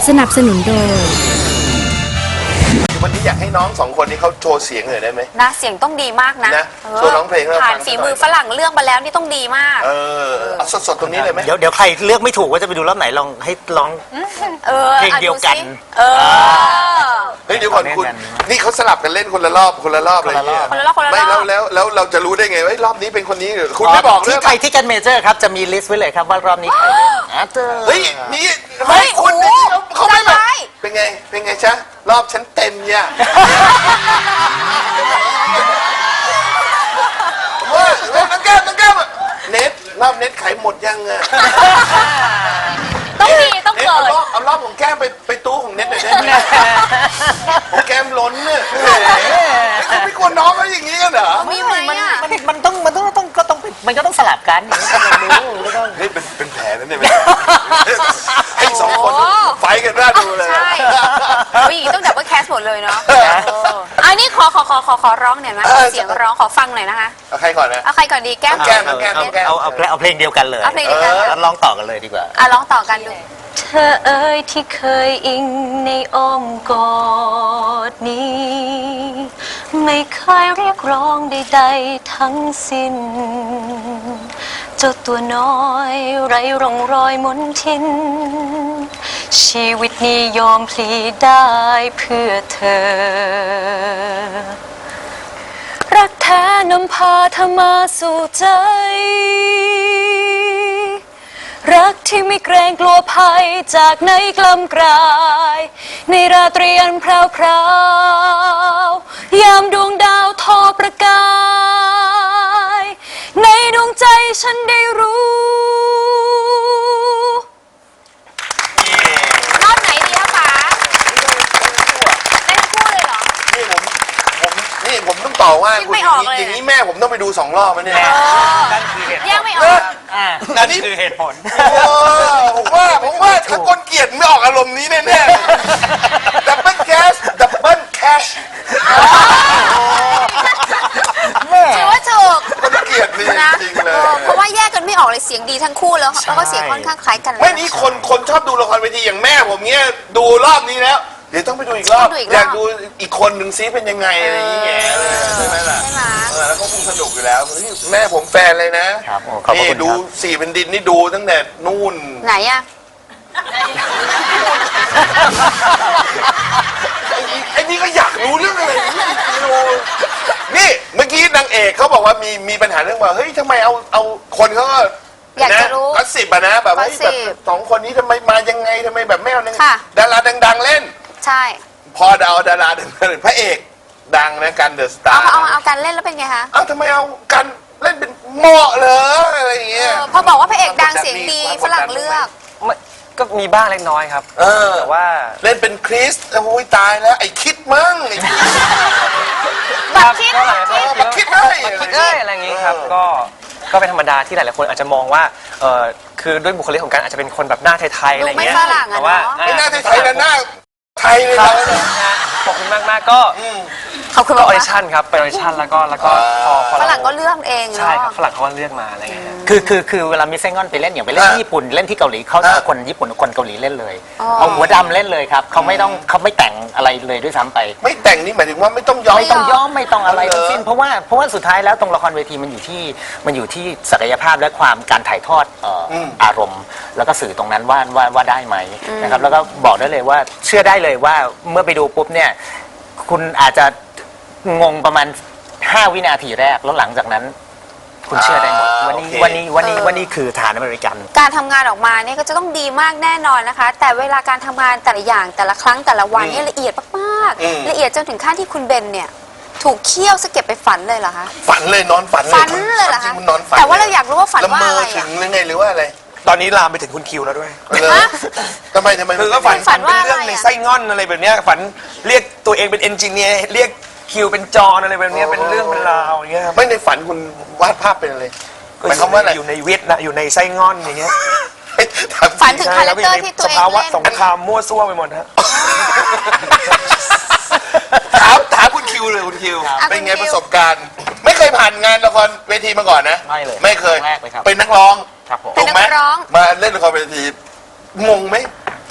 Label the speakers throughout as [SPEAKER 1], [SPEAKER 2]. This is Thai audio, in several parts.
[SPEAKER 1] สนับสนุนโดย
[SPEAKER 2] วันนี้อยากให้น้องสองคนนี้เขาโชว์เสียงหน่อยได้ไหม
[SPEAKER 3] นะเสียงต้องดีมากนะ
[SPEAKER 2] โชว์ร้องเพลง
[SPEAKER 3] ผ่านฝีมือฝรั่งเลือกมาแล้วนี่ต้องดีมาก
[SPEAKER 2] เอาสดๆตรงนี้เลยไหม
[SPEAKER 4] เดี๋ยวใครเลือกไม่ถูกว่าจะไปดูรอบไหนลองให้ร้องเพลงเดียวกัน
[SPEAKER 2] เฮ้ยเดี๋ยวก่อนคุณนี่เขาสลับกันเล่นคนละรอบอะไรอย่างเงี้ยไม่แล้วเราจะรู้ได้ไงว่ารอบนี้เป็นคนนี้คุณไม่บอกเลย
[SPEAKER 4] ที่ไทยที่กันเมเจอร์ครับจะมีลิสต์ไว้เลยครับว่ารอบนี้ใครเล่น
[SPEAKER 2] เฮ้ยนี่ไม่คุณเขาไม่แบบเป็นไงจ๊ะรอบฉันเต็มเนี่ยว่าน้องแก้มเน็ตรอบเน็ตขายหมดยังอะ
[SPEAKER 3] ต้องมีต้องเกิด
[SPEAKER 2] เอารอบของแก้มไปตู้ของเน็ตหน่อยได้ไหมของแก้มล้นเนี่ยเขาไม่กลัวน้องเขาอย่างนี้กันเหรอ
[SPEAKER 3] มีไหมอ่ะ
[SPEAKER 4] มันต้องสลับกัน
[SPEAKER 2] เฮ้ยเป็นแผลนั่นเนี่ยให้สองคนไฟกันน่าดูเลย
[SPEAKER 3] ใช่ผู้หญิงต้องดับเบิลแคสหมดเลยเนาะอันนี้ขอร้องหน่อยนะเสียงร้องขอฟังหน่อยนะคะ
[SPEAKER 2] เอาใครก่อนนะ
[SPEAKER 3] เอาใครก่อนดีแก้ม
[SPEAKER 4] เอาเพลงเดียวกันเลยแล้วร้องต่อกันเลยดีกว่า
[SPEAKER 3] ร้องต่อกันดู
[SPEAKER 5] เธอเอ๋ยที่เคยอิงในอ้อมกอดนี้ไม่เคยเรียกร้องใดๆทั้งสิ้นเจ้าตัวน้อยไร้ร่องรอยมนทินชีวิตนี้ยอมพลีได้เพื่อเธอรักแท้นำพาเธอมาสู่ใจรักที่ไม่เกรงกลัวภัยจากไหนกล้ำกลายในราตรีอันพราวๆยามดวงดาวทอประกายในดวงใจฉันได้รู้
[SPEAKER 3] รอบไหนดีคะป๋าได้ทั้งคู่เลยเหรอ
[SPEAKER 2] นี่ผมต้องต่อว่าคุณอย่างนี้แม่ผมต้องไปดู2 รอบนะเนี่ย
[SPEAKER 4] นั่นคือเหตุผล
[SPEAKER 3] แยกไม่ออก
[SPEAKER 4] นั่นคือเหตุผล
[SPEAKER 2] ผมว่าถ้าคนเกลียดไม่ออกอารมณ์นี้แน่ๆดับเบิลแคช
[SPEAKER 3] ถือว่าถูก
[SPEAKER 2] คนเกลียดนี่จริงเลย
[SPEAKER 3] เพราะว่าแยกกันไม่ออกเลยเสียงดีทั้งคู่แล้วก็เสียงค่อนข้างคล้ายกัน
[SPEAKER 2] ไม่นี่คนชอบดูละครเวทีอย่างแม่ผมเนี้ยดูรอบนี้แล้วเดี๋ยวต้องไปดูอีกรอบอยากดูอีกคนหนึ่งซิเป็นยังไงอะไรอย่างเงี้ยใช่ไหมล่ะแล้วก็คงสนุกอยู่แล้วแม่ผมแฟนเลยนะนี่ดู4 เป็นดินนี่ดูตั้งแต่นู่น
[SPEAKER 3] ไหนอะ
[SPEAKER 2] ไอ้นี่ก็อยากรู้เรื่องอะไรนี่เมื่อกี้นางเอกเขาบอกว่ามีปัญหาเรื่องว่าเฮ้ยทำไมเอาคนเขาก็
[SPEAKER 3] อยากจะรู้
[SPEAKER 2] ก็10นะแบบว่าแบบ2 คนนี้ทำไมมายังไงทำไมแบบไม่เอาดาราดังๆเล่น
[SPEAKER 3] ใช่
[SPEAKER 2] พอเอาดาราดังพระเอกดังนะกันเดอะสตาร์
[SPEAKER 3] เอากันเล่นแล้วเป็นไงคะ
[SPEAKER 2] ทำไมเอากันเล่นเป็นเหมาะเหรออะไรอย่างเงี้ย
[SPEAKER 3] พอบอกว่าพระเอกดังเสียงดีฝรั่งเลือก
[SPEAKER 6] ก็มีบ้างเล็กน้อยครับแต่ว่า
[SPEAKER 2] เล่นเป็นคริสโอ้ยตายแล้วไอ้คิดมั้ง
[SPEAKER 3] บักคิด
[SPEAKER 6] ได้อะไรอย่างงี้ครับก็เป็นธรรมดาที่หลายๆคนอาจจะมองว่าคือด้วยบุคลิกของการอาจจะเป็นคนแบบหน้าไทยๆอะไรเงี้ย
[SPEAKER 3] แต่
[SPEAKER 6] ว่า
[SPEAKER 2] ไม่หน้าไทยนะหน้าไทยเลย
[SPEAKER 6] ขอบคุณมากๆก็
[SPEAKER 3] ขอบคุณ
[SPEAKER 6] ออดิชั่นครับไปออดิชั่นแล้วก็พอ
[SPEAKER 3] ฝรั่งก็เลือกเอง
[SPEAKER 6] ใช่ครับฝรั่งเขาก็เลือกมาอะไรเงี้ย
[SPEAKER 4] คือเวลามิสเซงอนไปเล่นอย่างไปเล่นที่ญี่ปุ่นเล่นที่เกาหลีเขาคนญี่ปุ่นคนเกาหลีเล่นเลยเอาหัวดำเล่นเลยครับเขาไม่แต่งอะไรเลยด้วยซ้ำไป
[SPEAKER 2] ไม่แต่งนี่หมายถึงว่าไม่ต้องย้อม
[SPEAKER 4] ไม่ต้องอะไรทั้งสิ้นเพราะว่าสุดท้ายแล้วตรงละครเวทีมันอยู่ที่ศักยภาพและความการถ่ายทอดอารมณ์แล้วก็สื่อตรงนั้นว่าได้ไหมนะครับแล้วก็บอกได้เลยว่าเชื่อได้เลยว่าเมื่อไปดูปุ๊บเนี่ยคุณอาจจะงงประมาณ5 วินาทีแรกแล้วหลังจากนั้นคุณเชื่อได้หมดวันนี้คือฐานอเมริกัน
[SPEAKER 3] การทำงานออกมาเนี่ยก็จะต้องดีมากแน่นอนนะคะแต่เวลาการทำงานแต่ละอย่างแต่ละครั้งแต่ละวันนี่ละเอียดมากๆละเอียดจนถึงขั้นที่คุณเบนเนี่ยถูกเคี่ยวสเก็บไปฝันเลยเหรอคะ
[SPEAKER 2] ฝันเลยนอนฝัน
[SPEAKER 3] เลยเหรอคะแต่ว่าเราอยากรู้ว่าฝันว่าอะไร
[SPEAKER 2] ถึงหรือไงหรือว่าอะไร
[SPEAKER 6] ตอนนี้ลามไปถึงคุณคิวแล้วด้วย
[SPEAKER 2] ทำไม
[SPEAKER 6] คือก็ฝันเป็นเรื่องในไส้ง่อนอะไรแบบนี้ฝันเรียกตัวเองเป็นเอนจิเนียร์เรียกคิวเป็นจอนอะไรแบบนี้เป็นเรื่องเป็นราวอย่างเงี้ย
[SPEAKER 2] ไม่ในฝันคุณวาดภาพเป็นอะไรหมายความว่าอะไร
[SPEAKER 6] อยู่ในวิทย์นะอยู่ในไส้ง่อนอย่างเงี้ย
[SPEAKER 3] ฝันถึงคาแรคเตอร์ที่ตัวเองเล่นสภาวะ
[SPEAKER 6] สงครามมั่วซั่วไปหมดฮะ
[SPEAKER 2] ถามคุณคิวเลยคุณคิวเป็นไงประสบการณ์ไม่เคยผ่านงานละครเวทีมาก่อนนะไม่เคยเป็นนักร้อง
[SPEAKER 3] เป็นนักร้อง
[SPEAKER 2] มาเล่นละครเวทีงงไหม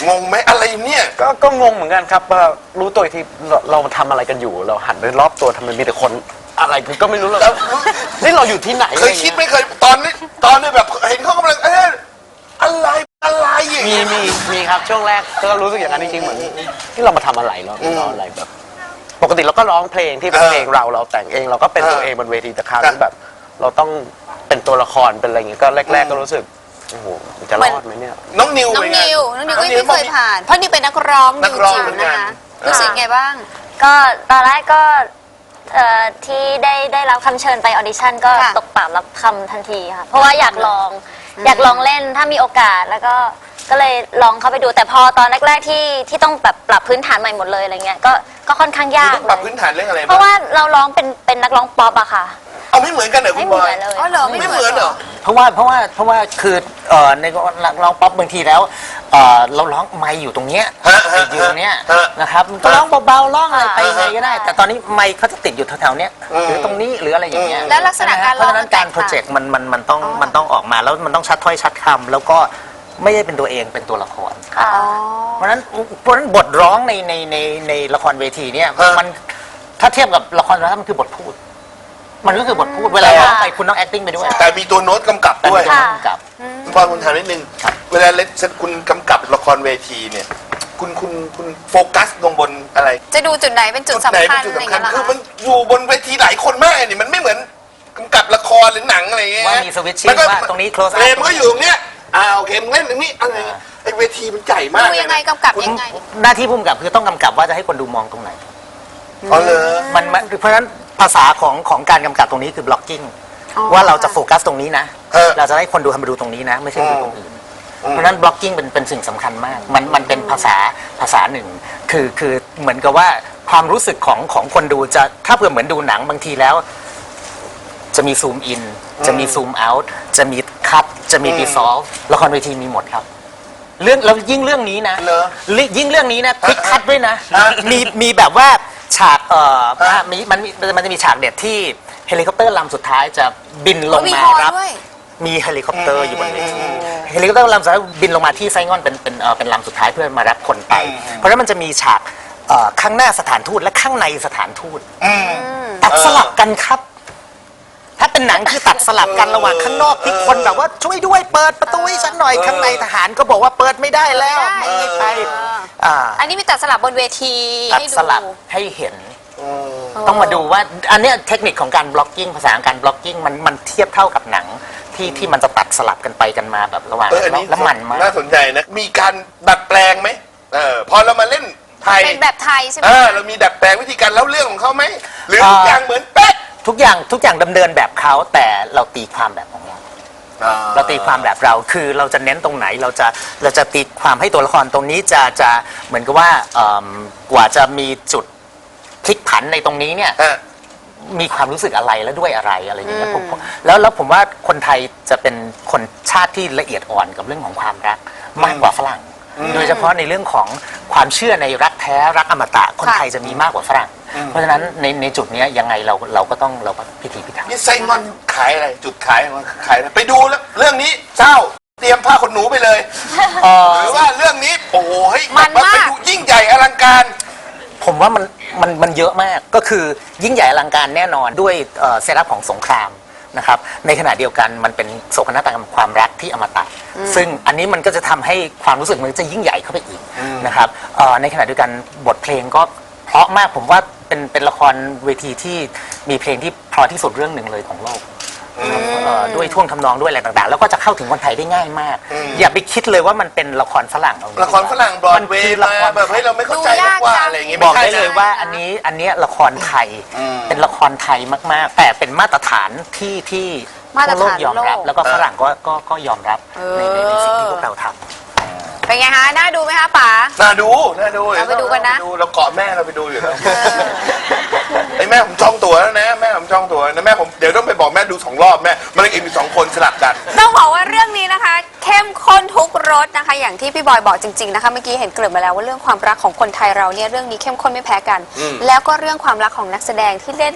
[SPEAKER 2] งงไหมอะไรเนี่ย
[SPEAKER 1] ก็งงเหมือนกันครับว่ารู้ตัวอีกทีเราทำอะไรกันอยู่ เราหันไปรอบตัวทำไมมีแต่คนอะไรก็ไม่รู้เลยนี่เราอยู่ที่ไหน
[SPEAKER 2] เคยคิดไหมเคยตอนนี้แบบเห็นเขากำลังอะไรอย่าง
[SPEAKER 1] มี
[SPEAKER 2] เงี้ย
[SPEAKER 1] มีครับช่วงแรกก็รู้สึกอย่างนั้นจริงๆเหมือนที่เรามาทำอะไรเราอะไรแบบ ปกติเราก็ร้องเพลงที่เป็นเพลงเราแต่งเองเราก็เป็นตัวเองบนเวทีแต่คราวนี้แบบ เราต้องเป็นตัวละครเป็นอะไรอย่างเงี้ยก็แรกๆก็รู้สึกโอ้โหจะรอดไหมเนี่ย
[SPEAKER 2] น้องนิว
[SPEAKER 3] น้อง
[SPEAKER 2] เป็นไง
[SPEAKER 3] นิวก็ไม่เคยผ่าน เพราะนิวเป็นนักร้อง
[SPEAKER 2] นั
[SPEAKER 3] นิ
[SPEAKER 2] ก
[SPEAKER 3] ว
[SPEAKER 2] ร้อง
[SPEAKER 3] จิ๋ว
[SPEAKER 2] เหมือนกั
[SPEAKER 3] นะ
[SPEAKER 2] น
[SPEAKER 3] คะรู้สึกไงบ้าง
[SPEAKER 5] ก็ตอนแรกก็ที่ได้รับคำเชิญไปออดิชั่นก็
[SPEAKER 3] ค่ะ
[SPEAKER 5] ตกปากรับคำทันทีค่ะเพราะว่าอยากลองเล่นถ้ามีโอกาสแล้วก็เลยลองเข้าไปดูแต่พอตอนแรกๆที่ต้องแบบปรับพื้นฐานใหม่หมดเลยอะไรเงี้ยก็ค่อนข้างยาก
[SPEAKER 2] ต้องปรับพื้นฐานเรื่องอะไร
[SPEAKER 5] เพราะว่าเราร้องเป็นนักร้องป๊อปอะค่ะ
[SPEAKER 2] เอาไม่เหมือนกันเหรอคุ
[SPEAKER 5] ไม่
[SPEAKER 2] ณ
[SPEAKER 5] เห
[SPEAKER 2] บ
[SPEAKER 5] มื
[SPEAKER 2] อ
[SPEAKER 5] อย นเลย
[SPEAKER 3] อ๋อเหรอ
[SPEAKER 2] ไม่เหมือนเหรอ
[SPEAKER 4] เพราะว่าคือในร้องป๊อปบางทีแล้วเราร้องไมค์อยู่ตรงเนี้ย
[SPEAKER 2] ฮะ
[SPEAKER 4] ติดอยู่ตรงเนี้ย
[SPEAKER 2] ฮะ
[SPEAKER 4] นะครับมันก็ร้องเบาๆร้องอะไรไป
[SPEAKER 5] ฮะ
[SPEAKER 4] ไงก็ได้ แต่ตอนนี้ไมค์เขาจะติดอยู่แถวๆเนี้ยหรือตรงนี้หรืออะไรอย่างเงี้ย
[SPEAKER 3] แล้วลักษณะการ
[SPEAKER 4] เพ
[SPEAKER 3] ร้อ
[SPEAKER 4] ราะ
[SPEAKER 3] ง
[SPEAKER 4] ฉะนั้นการโปรเจกต์มันต้องออกมาแล้วมันต้องชัดถ้อยชัดคำแล้วก็ไม่ได้เป็นตัวเองเป็นตัวละคร
[SPEAKER 5] ค่ะ
[SPEAKER 4] เพราะฉะนั้นบทร้องในละครเวทีเนี่ย
[SPEAKER 2] ฮะ
[SPEAKER 4] มันถ้าเทียบกับละครแล้วมันคือบทพูด มันก็คือบทพูดเวลาร้องไปคุณต้อง acting ไปด้วย
[SPEAKER 2] แต่มีตัวโน้ตกำกับด้วย
[SPEAKER 4] แต่มีตัวกำกับ
[SPEAKER 2] คุณบอลคุณถามนิดนึง เวลาเล่นคุณกำกับละครเวทีเนี่ย คุณโฟกัสลงบนอะไร
[SPEAKER 3] จะดูจุดไหนเป็นจุด
[SPEAKER 2] ไหน
[SPEAKER 3] สำคั
[SPEAKER 2] เป็
[SPEAKER 3] ญ
[SPEAKER 2] นจุด
[SPEAKER 3] อะไรอย่าง
[SPEAKER 2] สำคัญ
[SPEAKER 3] เงี้ยเหรอ
[SPEAKER 2] คือ
[SPEAKER 3] คะ
[SPEAKER 2] มันอยู่บนเวทีหลายคนมากนี่มันไม่เหมือนกำกับละครหรือหนังอะไรเงี้ย
[SPEAKER 4] ว่ามี switching
[SPEAKER 2] มันก็
[SPEAKER 4] ว่าตรงนี้ close up
[SPEAKER 2] เพลงมันก็อยู่ตรงเนี้ยโอเคมึงเล่นตรงนี้อะไรเงี้ยไอ้เวทีมันใหญ่มาก
[SPEAKER 3] ดูยังไงกำกับยังไง
[SPEAKER 4] หน้าที่ผู้กำกับคือต้องกำกับว่าจะให้คนดูมองตรงไหน
[SPEAKER 2] อ๋อเลย
[SPEAKER 4] เพราะฉะนั้นภาษาของการกำกับตรงนี้คือ blocking
[SPEAKER 3] อ๋อ
[SPEAKER 4] ว่าเราจะโฟกัสตรงนี้นะ
[SPEAKER 2] เออ
[SPEAKER 4] เราจะให้คนดูทำไปดูตรงนี้นะ ไม่ใช่ดูตรงอื่น เพราะฉะนั้น blocking เป็นสิ่งสำคัญมาก มันเป็นภาษาหนึ่งคือเหมือนกับว่าความรู้สึกของคนดูจะถ้าเผื่อเหมือนดูหนังบางทีแล้ว จะมีซูมอินจะมีซูมเอาท์จะมีคัตจะมีดีซอลละครเวทีมีหมดครับแล้วยิ่งเรื่องนี้นะ
[SPEAKER 2] เหรอ
[SPEAKER 4] ยิ่งเรื่องนี้นะพลิกคัตด้วยนะ
[SPEAKER 2] ฮะ
[SPEAKER 4] มีแบบว่าฉากมันจะมีฉากเด็ดที่เฮลิคอปเตอร์ลำสุดท้ายจะบินลง
[SPEAKER 3] มี
[SPEAKER 4] มา
[SPEAKER 3] ฮอ
[SPEAKER 4] รับ
[SPEAKER 3] ด้วย
[SPEAKER 4] มีเฮลิคอปเตอร์อยู่บนเวทีเฮลิคอปเตอร์ลำสุดท้ายบินลงมาที่ไซงอนเป็นลำสุดท้ายเพื่อมารับคนไป เพราะฉะนั้นมันจะมีฉากข้างหน้าสถานทูตและข้างในสถานทูตตัดสลับกันครับ ถ้าเป็นหนังคือตัดสลับกันระหว่างข้างนอกที่คนแบบว่าช่วยด้วยเปิดประตูให้ฉันหน่อยข้างในทหารก็บอกว่าเปิดไม่ได้แล้วไม่ไป
[SPEAKER 3] อันนี้มีตัดสลับบนเวที
[SPEAKER 4] ตัด
[SPEAKER 3] ให้ดู
[SPEAKER 4] สลับให้เห็น ต้องมาดูว่าอันเนี้ยเทคนิคของการ blocking ภาษาการ blocking มันเทียบเท่ากับหนังที่มันจะตัดสลับกันไปกันมาแบบระหว่าง
[SPEAKER 2] อันนี้
[SPEAKER 4] แล้วมันมาก
[SPEAKER 2] น่าสนใจนะ มีการดัดแปลงไหมพอเรามาเล่นไทย
[SPEAKER 3] เป็นแบบไทยใช่ไหม
[SPEAKER 2] เรามีดัดแปลงวิธีการเล่าเรื่องของเขาไหมหรือทุกอย่างเหมือนเป๊ะ
[SPEAKER 4] ทุกอย่างดำเนินแบบเขาแต่เราตีความแบบของเรา เราตีความแบบเราคือเราจะเน้นตรงไหนเราจะตีความให้ตัวละครตรงนี้จะเหมือนกับว่ากว่าจะมีจุดพลิกผันในตรงนี้เนี่ยมีความรู้สึกอะไรและด้วยอะไรอย่างเงี้ยแล้วผมว่าคนไทยจะเป็นคนชาติที่ละเอียดอ่อนกับเรื่องของความรักมากกว่าฝรั่ง โดยเฉพาะในเรื่องของความเชื่อในรักแท้รักอมตะคนไทยจะมีมากกว่าฝรั่ง เพราะฉะนั้นในจุดนี้ยังไงเราก็ต้องพิถีพิถัน
[SPEAKER 2] นี่ไส้งอนขายอะไรจุดขายของมันขายอะไรไปดูแล้วเรื่องนี้เจ้าเตรียมผ้าขนหนูไปเลยหรือว่าเรื่องนี้โอ้โหเฮ้ย
[SPEAKER 3] มันมาก
[SPEAKER 2] ไปดูยิ่งใหญ่อลังการ
[SPEAKER 4] ผมว่ามันเยอะมากก็คือยิ่งใหญ่อลังการแน่นอนด้วยเซตอัพของสงครามนะครับในขณะเดียวกันมันเป็นโศกนาฏกรรมความรักที่อมตะซึ่งอันนี้มันก็จะทำให้ความรู้สึกมันจะยิ่งใหญ่เข้าไปอีกนะครับในขณะเดียวกันบทเพลงก็เพราะมากผมว่าเป็นละครเวทีที่มีเพลงที่เพราะที่สุดเรื่องหนึ่งเลยของโลกด้วยท่วงทำนองด้วยอะไรต่างๆแล้วก็จะเข้าถึงคนไทยได้ง่ายมากอย่าไปคิดเลยว่ามันเป็นละครฝรั่ง
[SPEAKER 2] ละครฝรั่งบรอดเวย์มาแบบให้เราไม่เข้าใจว่าอะไรอย่างงี้
[SPEAKER 4] บอก
[SPEAKER 2] ม่
[SPEAKER 4] ได้
[SPEAKER 2] ใช่
[SPEAKER 4] เลยว่าอันนี้ละครไทยเป็นละครไทยมากๆ แต่เป็นมาตรฐานที่
[SPEAKER 3] มาตร
[SPEAKER 4] ทั่วโลก
[SPEAKER 3] ฐาน
[SPEAKER 4] ยอมรับ
[SPEAKER 3] โลก
[SPEAKER 4] แล้วก็ฝรั่งก็ยอมรับในสิ่งที่พวกเราทำ
[SPEAKER 3] เป็นไงฮะน่าดูไหมคะป๋า
[SPEAKER 2] น่าดู
[SPEAKER 3] เราไปดูกันนะ
[SPEAKER 2] เราเกาะแม่เราไปดูอยู่แล้วไอ้แม่ผมจองตั๋วแล้วนะแม่ผมจองตั๋วนะแม่ผมเดี๋ยวต้องไปบอกแม่ดู2 รอบแม่มันเองมี2 คนสลับกัน
[SPEAKER 3] ต้องบอกว่าเรื่องนี้นะคะ เข้มข้นทุกรสนะคะ อย่างที่พี่บอยบอกจริงๆนะคะเมื่อกี้เห็นเกริ่นมาแล้วว่าเรื่องความรักของคนไทยเราเนี่ยเรื่องนี้เข้มข้นไม่แพ้กัน แล้วก็เรื่องความรักของนักแสดงที่เล่น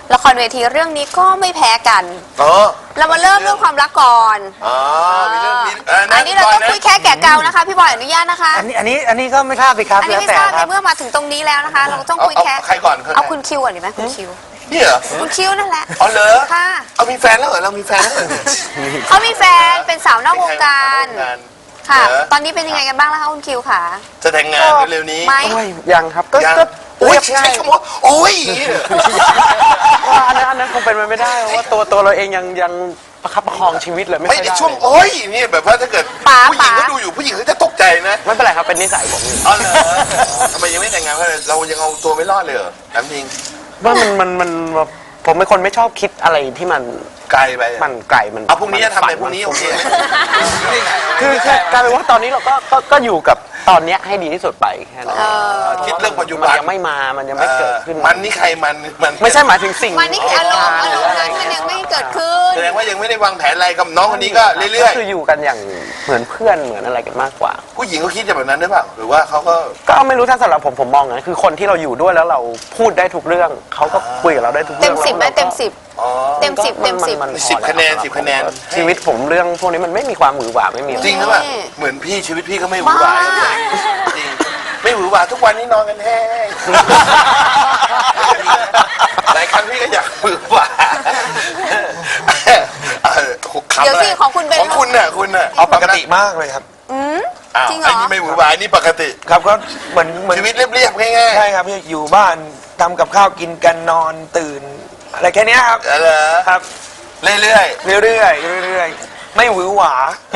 [SPEAKER 3] ละครเวทีเรื่องนี้ก็ไม่แพ้กัน
[SPEAKER 2] อ๋อ
[SPEAKER 3] เรามาเริ่มเรื่องความรักก่อน
[SPEAKER 2] อ๋อมีเรื่องมี
[SPEAKER 3] อันนี้เราต้องคุยแค่แก่เกานะคะ พี่บอยอนุญาตนะคะ
[SPEAKER 4] อันนี้ก็ไม่ทราบสิครับ
[SPEAKER 3] อันนี้
[SPEAKER 4] แล้ว
[SPEAKER 3] ไม่
[SPEAKER 4] แต่
[SPEAKER 3] ทราบ
[SPEAKER 4] ค
[SPEAKER 3] ใน
[SPEAKER 4] รับ
[SPEAKER 3] เมื่อมาถึงตรงนี้แล้วนะคะ เราต้องคุยแค่
[SPEAKER 2] ใครก่อน
[SPEAKER 3] เอาคุณคิวก่อนดีไหมคุณคิว
[SPEAKER 2] นี่เหรอ
[SPEAKER 3] คุณคิวนั่นแหละ
[SPEAKER 2] อ๋อเหรอ
[SPEAKER 3] ค่ะ
[SPEAKER 2] เอามีแฟนแล้วเหรอเรามีแฟนแล้วเหรอ
[SPEAKER 3] เขามีแฟนเป็นสาวนอกวงการ
[SPEAKER 2] มีใครมา
[SPEAKER 3] ค่ะ
[SPEAKER 2] เหรอ
[SPEAKER 3] ตอนนี้เป็นยังไงกันบ้างแล้วคะคุณคิวค่ะ
[SPEAKER 2] จะแต่งงานเร็วๆนี้
[SPEAKER 3] ไม่
[SPEAKER 1] โอ้ยยังครับก็
[SPEAKER 2] ยัง
[SPEAKER 1] ก็
[SPEAKER 2] โอ้ย
[SPEAKER 1] เรียบง่า
[SPEAKER 2] ใช้
[SPEAKER 1] ย
[SPEAKER 2] คำว่าโอ้ย
[SPEAKER 1] ว่าอันนั้นคงเป็นไปไม่ได้เพราะว่าตัวเราเองยังประคับประคองชีวิตเลยไม่
[SPEAKER 2] ไม่
[SPEAKER 1] ค่อย
[SPEAKER 2] ใน
[SPEAKER 1] ได้
[SPEAKER 2] ช่วงโอ้ยนี่แบบว่าถ้าเกิด
[SPEAKER 3] ป๋า
[SPEAKER 2] ผู้หญิง
[SPEAKER 3] ป๋า
[SPEAKER 2] ก็ดูอยู่ผู้หญิงเขาจะตกใจนะ
[SPEAKER 1] ไม่เป็นไรครับเป็นนิสัยผมอยู่
[SPEAKER 2] อ๋อเหรอทำไมยังไม่แต่งงานเพราะอะไรเรายังเอาตัวไม่รอดเลยเหรอถามจริง
[SPEAKER 1] ว่ามันผมเป็นคนไม่ชอบคิดอะไรที่มัน
[SPEAKER 2] ไกลไป
[SPEAKER 1] มันไกลมัน
[SPEAKER 2] เอาพรุ่งนี้จะทำอะไร
[SPEAKER 1] ฝั
[SPEAKER 2] พรุ่งนี้โอเค
[SPEAKER 1] คือกลายเป็นว่าตอนนี้เราก็อยู่กับตอนเนี้ยให้ดีที่สุดไปแค่นั้น
[SPEAKER 2] คิดเรื่องปัจจุ
[SPEAKER 1] มั
[SPEAKER 2] บั
[SPEAKER 1] น
[SPEAKER 2] น
[SPEAKER 1] ยังไม่มามันยังไม่เกิดขึ้น
[SPEAKER 2] มันนี่ใครมันมัน
[SPEAKER 1] ไม่ใช่หมายถึงสิ่ง
[SPEAKER 3] มันนี่คืออารมณ์นั้นมันยังไม่เกิดขึ้น
[SPEAKER 2] แสดงว่ายังไม่ได้วางแผนอะไรกับน้องคนนี้ก็เรื่
[SPEAKER 1] ก็
[SPEAKER 2] อย
[SPEAKER 1] คืออยู่กันอย่างเหมือนเพื่อนเหมือนอะไรกันมากกว่า
[SPEAKER 2] ๆผู้หญิงเขาคิดแบบนั้นหรือเปล่าหรือว่าเขาก็
[SPEAKER 1] ก็ไม่รู้ถ้าสำหรับผมมองนะคือคนที่เราอยู่ด้วยแล้วเราพูดได้ทุกเรื่องเขาก็คุยกับเราได้ทุกเรื่
[SPEAKER 3] เต็
[SPEAKER 1] อง
[SPEAKER 3] มสิบไหมเต็มสิบ
[SPEAKER 2] อ๋อ
[SPEAKER 3] เต็มสิบเต็มสิบ
[SPEAKER 1] มันพอ
[SPEAKER 2] 10คะแนน
[SPEAKER 1] ล้ว
[SPEAKER 2] 10คะแนน
[SPEAKER 1] ชีวิตผมเรื่องพวกนี้มันไม่มีความหวือหวาไม่มีอะไร
[SPEAKER 2] จริงหรือเปล่าเหมือนพี่ชีวิตพี่ก็ไม่หวือหวา
[SPEAKER 3] บ้า
[SPEAKER 2] จริงไม่หวือหวาทุกวันนี้นอนกันแห้งหลายครั้งพี่ก็อยากหวือหวา
[SPEAKER 3] เดี๋ยวสิของคุณเป็น
[SPEAKER 2] ของคุณน่ะคุณน่ะ
[SPEAKER 7] เอาปกติมากเลยครับ
[SPEAKER 2] อ้าว
[SPEAKER 3] จริงเหรอ
[SPEAKER 2] ไอ้นี่ไม่หวือหวาไอ้นี่ปกติ
[SPEAKER 7] ครับก็เหมือน
[SPEAKER 2] ชีวิตเรียบๆง่าย
[SPEAKER 7] ใช่ครับอยู่บ้านทำกับข้าวกินกันนอนตื่น อะไรแค่เนี้ยครับ
[SPEAKER 2] ๆเหรอ
[SPEAKER 7] ครับ
[SPEAKER 2] เรื่อย
[SPEAKER 7] เรื่อยๆไม่หวือหวา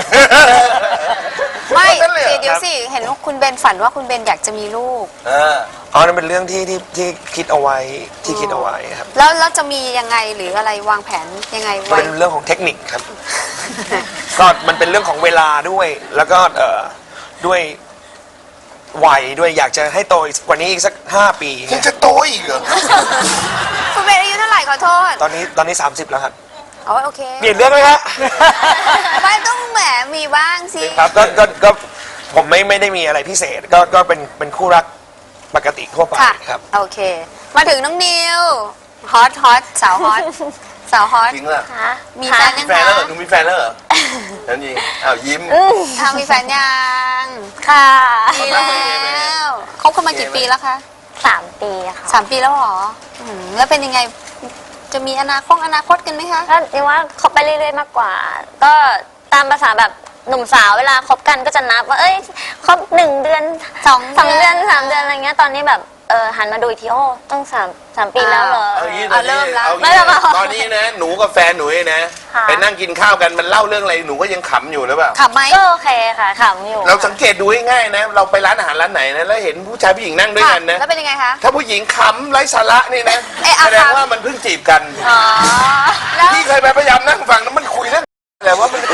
[SPEAKER 2] ๆ
[SPEAKER 3] ไม่
[SPEAKER 2] นั่นเลยเหรอ
[SPEAKER 3] เดี๋ยวสิเห็นว่าคุณเบนฝันว่าคุณเบนอยากจะมีลูก
[SPEAKER 2] เออ
[SPEAKER 7] อ๋อนั่นเป็นเรื่องที่คิดเอาไว้ที่คิดเอาไว้ครับ
[SPEAKER 3] แล้วจะมียังไงหรืออะไรวางแผนยังไง
[SPEAKER 7] มัน
[SPEAKER 3] ไว้
[SPEAKER 7] เป็นเรื่องของเทคนิคครับ ก็มันเป็นเรื่องของเวลาด้วย แล้วก็ด้วยวัยด้วยอยากจะให้โตกว่านี้อีกสัก5 ปี
[SPEAKER 2] ยังจะโตอีกเหรอ
[SPEAKER 3] คุณเบนอายุเท่าไหร่ขอโทษ
[SPEAKER 7] ตอนนี้30แล้วครับ
[SPEAKER 3] อ๋อโอเค
[SPEAKER 7] เปลี่ยนเรื่องไหมฮะ
[SPEAKER 3] ไม่ต้องแหมมีบ้างสิ
[SPEAKER 7] ครับก็ผมไม่ได้มีอะไรพิเศษก็เป็นคู่รักปกติทั่วไป
[SPEAKER 3] ค่ะ
[SPEAKER 7] ครับ
[SPEAKER 3] โอเค มาถึงน้องนิวฮอตสาวฮอตสาวฮอต
[SPEAKER 2] จริงเหรอ
[SPEAKER 3] มีแฟนยัง
[SPEAKER 2] แฟน
[SPEAKER 3] คะ
[SPEAKER 2] แล้วเหรอหนูมีแฟนแล้วเหรอนั่นจริงอ้าวยิ้ม
[SPEAKER 3] มีแฟนยัง
[SPEAKER 5] ค่ะ
[SPEAKER 3] มีแล้วคบกันมากี่ปีแล้วคะ
[SPEAKER 5] 3 ปีค่ะ
[SPEAKER 3] 3 ปีแล้วเหรอแล้วเป็นยังไงจะมีอนาคตกันไหมคะ
[SPEAKER 5] ก็นี่ว่าคบไปเรื่อยๆมากกว่า ก็ตามภาษาแบบหนุ่มสาวเวลาคบกันก็จะนับว่าเอ้ยคบ1 เดือน
[SPEAKER 3] 2
[SPEAKER 5] 2 เดือน3 เดือนอะไรเงี้ยตอนนี้แบบหันมาดูอีกทีโอ้ต้อง3 ปีแล้วเหรอ
[SPEAKER 2] เอางี้
[SPEAKER 3] เอาเริ่มแล้ว
[SPEAKER 2] เอา
[SPEAKER 5] ไม่
[SPEAKER 2] งี้
[SPEAKER 5] หรอก
[SPEAKER 2] ตอนนี้นะหนูกับแฟนหนูเนี่ยนะ
[SPEAKER 5] ค่ะ
[SPEAKER 2] ไปนั่งกินข้าวกันมันเล่าเรื่องอะไรหนูก็ยังขำอยู่หรือเปล่า
[SPEAKER 3] ขับไหม
[SPEAKER 5] ก็โอเคค่ะขำอยู่
[SPEAKER 2] เราสังเกตดูง่ายๆนะ เราไปร้านอาหารร้านไหนนะแล้วเห็นผู้ชายผู้หญิงนั่งด้วย
[SPEAKER 3] ค่ะ
[SPEAKER 2] กันนะ
[SPEAKER 3] แล้วเป็นยังไงคะ
[SPEAKER 2] ถ้าผู้หญิงขำไร้สาระนี่นะ
[SPEAKER 3] เอ๊ะเอา
[SPEAKER 2] แสดง
[SPEAKER 3] ขำ
[SPEAKER 2] ว่ามันเพิ่งจีบกัน
[SPEAKER 3] อ๋อแล้ว
[SPEAKER 2] พี่เคยไปพยายามนั่งฟังแล้วมันคุยเรื่องอะไรว่ามัน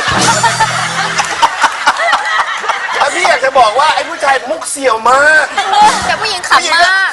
[SPEAKER 2] แล้วพี่อยากจะบอกว่าไอ้ผู้ชายมุกเสี่ยวมาก
[SPEAKER 3] แต่ผู้หญิงขำมาก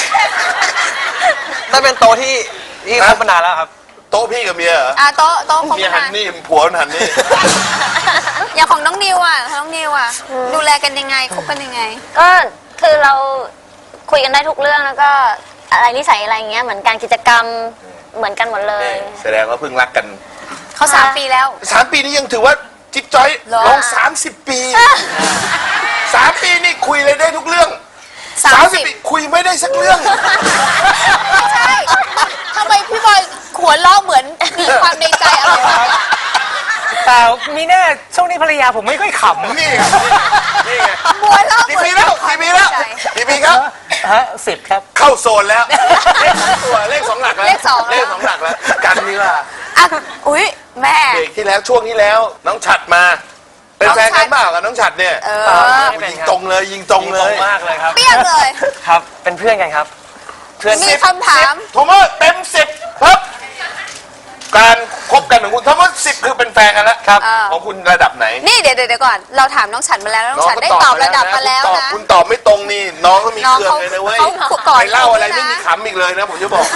[SPEAKER 6] นั่นเป็นโต๊ะที่คบมานานแล้วครับ
[SPEAKER 2] โต๊ะพี่กับเมียเหรอ
[SPEAKER 3] โต๊ะคบ
[SPEAKER 2] เมีย
[SPEAKER 3] กั
[SPEAKER 2] หั
[SPEAKER 3] น
[SPEAKER 2] นนี่ผัวมันหันนี่
[SPEAKER 3] อย่างของน้องนิวดูแลกันยังไงคบกันยังไง
[SPEAKER 5] ก็คือเราคุยกันได้ทุกเรื่องแล้วก็อะไรนิสัยอะไรเงี้ยเหมือนการกิจกรรมเหมือนกันหมดเลย
[SPEAKER 2] แสดงว่าเพิ่งรักกัน
[SPEAKER 3] เขา3 ปีแล้ว
[SPEAKER 2] 3 ปีนี้ยังถือว่าจิ๊บจ้อย
[SPEAKER 3] เหรอ
[SPEAKER 2] ลอง30 ปี 3 ปีนี่คุยเลยได้ทุกเรื่อง 30 ปีคุยไม่ได้สักเรื่อง
[SPEAKER 3] ไม่ใช่ทำไมพี่บอยหัวเราะเหมือนมีความในใจอะไรวะ
[SPEAKER 4] เปล่ามีแน่ช่วงนี้ภรรยาผมไม่ค่อยขำ
[SPEAKER 2] นี่ไงนี่ไง
[SPEAKER 3] หัวเราะ
[SPEAKER 2] กี่ปีแล้วกี่ปีแล้วกี่ปีครับ
[SPEAKER 4] ฮะ10 ครับ
[SPEAKER 2] เข้าโซนแล้ว เลข2 ตัวเลข 2 หลักแล้ว
[SPEAKER 3] เลข
[SPEAKER 2] เลข 2 หลักแล้ว กันนี่ว่า
[SPEAKER 3] อ่ะอุ๊ยแม่
[SPEAKER 2] เบรกที่แล้วช่วงที่แล้ว น้องฉัดมา เป็นแฟนกันเปล่ากับน้องฉัดเนี่ย ยิงตรงเลยยิงตรงเลย
[SPEAKER 6] มากเลยครับ
[SPEAKER 3] เปี้ยงเลย
[SPEAKER 6] ครับ เป็นเพื่อนกันครับ เพื่อน
[SPEAKER 3] มีคำถาม
[SPEAKER 2] โทมัสเต็ม10ครับ การคบกันของคุณโทมัส10คือเป็นแฟนกันแล้วครับของคุณระดับไหน
[SPEAKER 3] นี่เดี๋ยวก่อนเราถามน้องฉันมาแล้วแล้วน้องฉันได้ตอบระดับมาแล้วนะ
[SPEAKER 2] คุณตอบไม่ตรงนี่น้องเขามี
[SPEAKER 3] น้อง
[SPEAKER 2] เครื่องเลยนะเว้ย
[SPEAKER 3] เขาก่อน
[SPEAKER 2] ไปเล่าอะไร
[SPEAKER 3] เขาด้วยนะ
[SPEAKER 2] ไม่มีขำอีกเลยนะผมจะบอก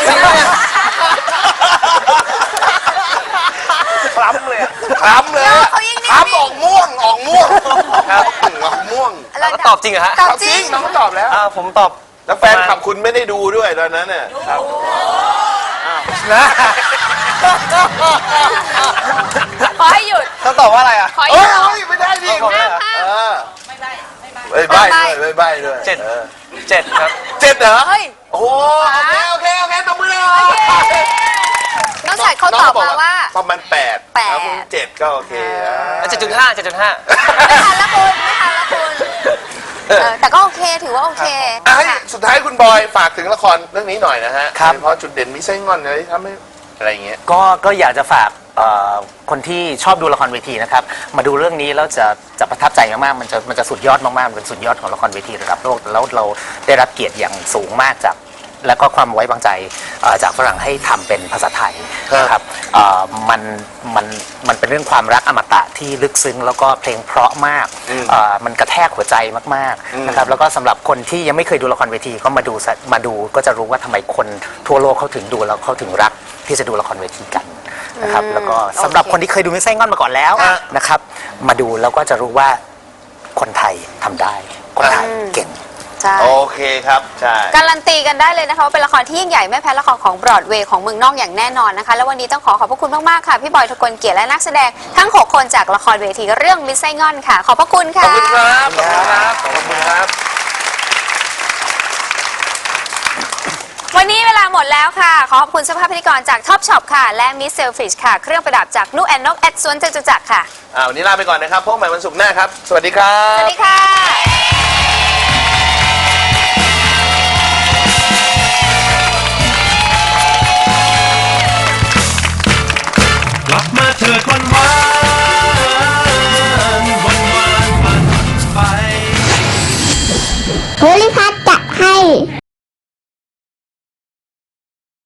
[SPEAKER 2] คล้ำเลยคล้ำเลย
[SPEAKER 3] เขายิ่งนิ่งๆ
[SPEAKER 2] คล้ำออกม่วงออกม่วงครับออกม่วง
[SPEAKER 3] แล้ว
[SPEAKER 6] ก็ตอบจริงเหรอฮะ
[SPEAKER 3] ตอบจริง
[SPEAKER 2] น้องตอบแล้ว
[SPEAKER 6] ผมตอบ
[SPEAKER 2] แล้วแฟนขับคุณไม่ได้ดูด้วยตอนนั้นเนี่ยครับ
[SPEAKER 6] นะ
[SPEAKER 3] ขอให้หยุด
[SPEAKER 6] ต้องตอบว่าอะไรอ่ะ
[SPEAKER 3] ขอให้ห
[SPEAKER 2] เอ้
[SPEAKER 3] ยุ
[SPEAKER 2] ย
[SPEAKER 3] ด
[SPEAKER 2] เอ้ยไม่ได้ดิ
[SPEAKER 6] ขอให้หยุด
[SPEAKER 2] เออไม่ใบ้ด้วยไม่ใบ้ด้วย
[SPEAKER 6] เจ็ด เจ็ดครับ
[SPEAKER 2] เจ็ดเหรอ
[SPEAKER 3] เฮ้ย
[SPEAKER 2] โอ้โหโอเคตบมือเลย
[SPEAKER 3] น้องชายเขาตอบมาว่า
[SPEAKER 2] ประมาณ8
[SPEAKER 3] แปด
[SPEAKER 2] แล้วคุณ7ก็โอเค
[SPEAKER 6] 7.5 7.5
[SPEAKER 3] ไม่ทันละคุณไม่ทันละคุณแต่ก็โอเคถือว่าโอเค
[SPEAKER 2] ให้
[SPEAKER 3] ค่ะ
[SPEAKER 2] สุดท้ายคุณบอยฝากถึงละครเรื่องนี้หน่อยนะฮะ
[SPEAKER 4] ครับ
[SPEAKER 2] โดยเฉพาะจุดเด่นมิไส้งอนเลยทำให้อะไรอย่างเงี้ย
[SPEAKER 4] ก็อยากจะฝากคนที่ชอบดูละครเวทีนะครับมาดูเรื่องนี้แล้วจะประทับใจมากๆมันจะสุดยอดมากๆมันเป็นสุดยอดของละครเวทีระดับโลกแล้วเราได้รับเกียรติอย่างสูงมากจากแล้วก็ความไว้วางใจจากฝรั่งให้ทำเป็นภาษาไทยนะครับมันเป็นเรื่องความรักอมตะที่ลึกซึ้งแล้วก็เพลงเพราะมากมันกระแทกหัวใจมากๆนะครับแล้วก็สำหรับคนที่ยังไม่เคยดูละครเวทีก็มาดูก็จะรู้ว่าทำไมคนทั่วโลกเขาถึงดูแล้วเขาถึงรักที่จะดูละครเวทีกันนะครับแล้วก็สำหรับคนที่เคยดูมิสไซงอนมาก่อนแล้วนะครับมาดูแล้วก็จะรู้ว่าคนไทยทำได้คนไทยเก่ง
[SPEAKER 3] ใช่
[SPEAKER 2] โอเคครับใช่
[SPEAKER 3] การันตีกันได้เลยนะคะว่าเป็นละครที่ยิ่งใหญ่ไม่แพ้ละครของบรอดเวย์ของเมืองนอกอย่างแน่นอนนะคะแล้ววันนี้ต้องขอบพระคุณมากๆค่ะพี่บอยทกลเกียรติและนักแสดงทั้ง6คนจากละครเวทีเรื่องมิสไซงอนค่ะขอบพระคุณ
[SPEAKER 2] ขอบ
[SPEAKER 3] ค่ะ
[SPEAKER 2] คุณครับขอบคุณครับขอบคุณครับ
[SPEAKER 3] วันนี้เวลาหมดแล้วค่ะขอขอบคุณเสื้อผ้าพิธีกรจากท็อปช็อปค่ะและมิสเซลฟิชค่ะเครื่องประดับจากนุแอนนกแอดสวนจตุจักรค่ะ
[SPEAKER 2] วันนี้ลาไปก่อนนะครับพบกันใหม่วันศุกร์หน้าครับ สวัสดีครั
[SPEAKER 3] ส
[SPEAKER 2] บ
[SPEAKER 3] วัสดีค่ะ
[SPEAKER 8] กลับมาเถิดวันวาน